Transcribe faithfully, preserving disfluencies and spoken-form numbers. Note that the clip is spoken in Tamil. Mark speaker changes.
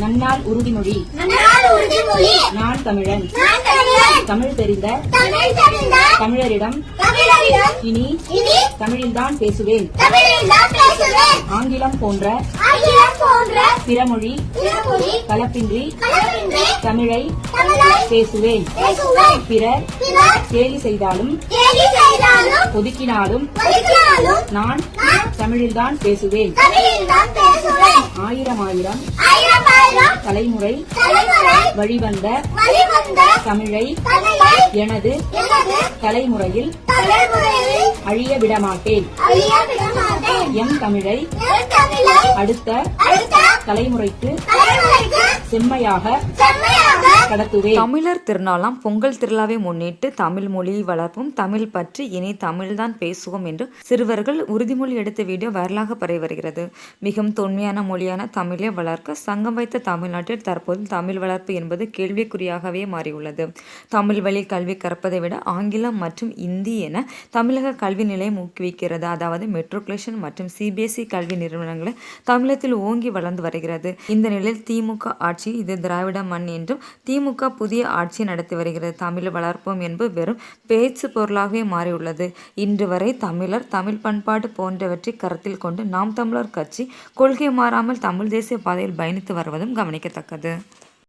Speaker 1: நன்னாள் உறுதிமொழி நான் தமிழன் தமிழ் தெரிந்த தமிழரிடம் இனி தமிழில்தான் பேசுவேன். ஆங்கிலம் போன்ற பிறமொழி கலப்பின்றி தமிழை பேசுவேன். பிறர் கேலி செய்தாலும் ஒதுக்கினாலும் நான் தமிழில்தான் பேசுவேன். ஆயிரம் ஆயிரம் தலைமுறை வழிவந்த தமிழை எனது தலைமுறையில் அழிய விடமாட்டேன். எம் தமிழை அடுத்த தலைமுறைக்கு செம்மையாக கடத்துவேன்.
Speaker 2: தமிழர் திருநாளாம் பொங்கல் திருவிழாவை முன்னிட்டு தமிழ் மொழியை வளர்ப்போம், தமிழ் பற்றி இனி தமிழ்தான் பேசுவோம் என்று சிறுவர்கள் உறுதிமொழி எடுத்த வீடியோ வைரலாக பரவி வருகிறது. மிகவும் தொன்மையான மொழியான தமிழை வளர்க்க சங்கம் வைத்த தமிழ்நாட்டில் தற்போது தமிழ் வளர்ப்பு என்பது கேள்விக்குறியாகவே மாறியுள்ளது. தமிழ் வழி கல்வி கற்பதை விட ஆங்கிலம் மற்றும் இந்தி என தமிழக கல்வி நிலையம் ஊக்குவிக்கிறது. அதாவது மெட்ரிகுலேஷன் மற்றும் சிபிஎஸ்இ கல்வி நிறுவனங்களை தமிழகத்தில் ஓங்கி வளர்ந்து வருகிறது. இந்த நிலையில் திமுக ஆட்சி இது திராவிட மண் என்றும் திமுக புதிய ஆட்சி நடத்தி வருகிறது. தமிழ் வளர்ப்போம் என்பது வெறும் பேச்சு பொருளாகவே மாறியுள்ளது. இன்று வரை தமிழர் தமிழ் பண்பாடு போன்றவற்றை கருத்தில் கொண்டு நாம் தமிழர் கட்சி கொள்கை மாறாமல் தமிழ் தேசிய பாதையில் பயணித்து வருவதும் கவனிக்கத்தக்கது.